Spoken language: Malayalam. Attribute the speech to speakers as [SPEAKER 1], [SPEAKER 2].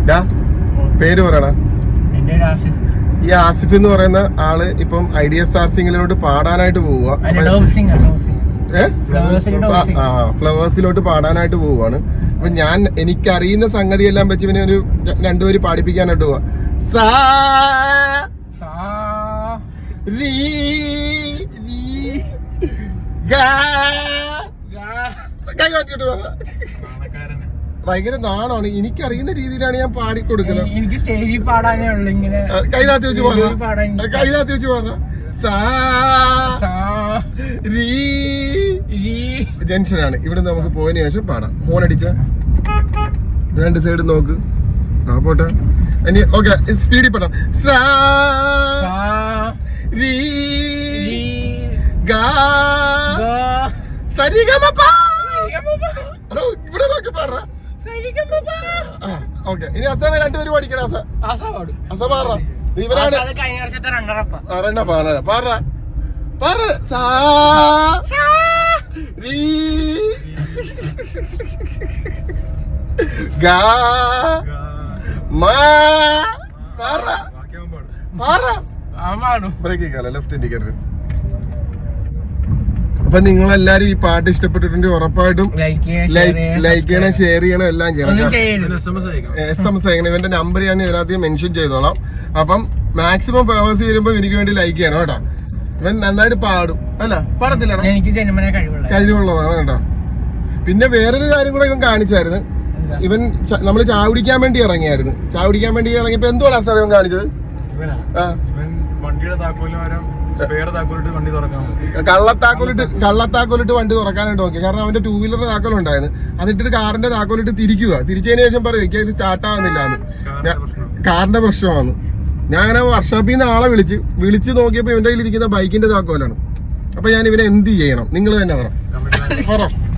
[SPEAKER 1] പേര് പറയണ. ഈ ആസിഫ് എന്ന് പറയുന്ന ആള് ഇപ്പം IDSR സിംഗിലോട്ട് പാടാനായിട്ട് പോവുക. ഫ്ലവേഴ്സിലോട്ട് പാടാനായിട്ട് പോവുകയാണ്. അപ്പൊ ഞാൻ എനിക്കറിയുന്ന സംഗതി എല്ലാം വെച്ച് ഇവനെ ഒരു 2 വരി പാടിപ്പിക്കാനായിട്ട് പോവാ. സാ രീ ഗാ കൈ വാങ്ങിട്ട് ഭയങ്കര നാണാണ്. എനിക്കറിയുന്ന രീതിയിലാണ് ഞാൻ പാടിക്കൊടുക്കുന്നത്.
[SPEAKER 2] എനിക്ക് സ്റ്റേജിൽ പാടാനേ ഉള്ളു. ഇങ്ങനെ
[SPEAKER 1] കൈതാത്തി വെച്ച് പറഞ്ഞ കൈതാത്തി വെച്ച് പറഞ്ഞ ജംഗ്ഷനാണ്. ഇവിടെ നമുക്ക് പോയതിനു ശേഷം പാടാം. ഹോൺ അടിച്ച 2 സൈഡ് നോക്ക്. ആ പോട്ടെ. ഇനി ഓക്കെ, സ്പീഡിൽ പാടാം. സാ രീ ഗാ സരിഗമപ. ഇവിടെ നോക്കി പറ. ഓക്കെ, ഇനി അസാദ് 2 പേര് പഠിക്കണം. അസ പാറ. ഇവരാണ് ലെഫ്റ്റ് ഇൻഡിക്കേറ്റർ. അപ്പൊ നിങ്ങളെല്ലാരും ഈ പാട്ട് ഇഷ്ടപ്പെട്ടിട്ടുണ്ടെങ്കിൽ ഉറപ്പായിട്ടും ലൈക്ക് ചെയ്യണം, ഷെയർ ചെയ്യണം, എല്ലാം ചെയ്യണം. SMS അയക്കണം. ഇവന്റെ നമ്പർ ഞാൻ ഇതിനകത്ത് മെൻഷൻ ചെയ്തോളാം. അപ്പം മാക്സിമം ഫേവേഴ്സ് വരുമ്പോ എനിക്ക് വേണ്ടി ലൈക്ക് ചെയ്യണം കേട്ടോ. ഇവൻ നന്നായിട്ട് പാടും. അല്ല പാടത്തില്ല, കഴിവുള്ളതാണ് കേട്ടോ. പിന്നെ വേറൊരു കാര്യം കൂടെ ഇവൻ കാണിച്ചായിരുന്നു. ഇവൻ നമ്മള് ചായ കുടിക്കാൻ വേണ്ടി ഇറങ്ങിയായിരുന്നു. ചായ കുടിക്കാൻ വേണ്ടി ഇറങ്ങിയപ്പോ എന്തുവാണ് അസാദ് ഇവൻ കാണിച്ചത്? കള്ളത്താക്കോലിട്ട് വണ്ടി തുറക്കാനായിട്ട് നോക്കി. കാരണം അവന്റെ 2 വീലറിന്റെ താക്കോലുണ്ടായിരുന്നു. അതിട്ടിട്ട് കാറിന്റെ താക്കോലിട്ട് തിരിച്ചതിന് ശേഷം പറയും എനിക്ക് അത് സ്റ്റാർട്ട് ആവുന്നില്ല, കാറിന്റെ പ്രശ്നമാണ്. ഞാൻ അങ്ങനെ വർക്ക്ഷോപ്പിൽ നിന്ന് ആളെ വിളിച്ച് നോക്കിയപ്പോ ഇവന്റെ കയ്യിൽ ഇരിക്കുന്ന ബൈക്കിന്റെ താക്കോലാണ്. അപ്പൊ ഞാൻ ഇവനെ എന്ത് ചെയ്യണം? നിങ്ങൾ തന്നെ പറ.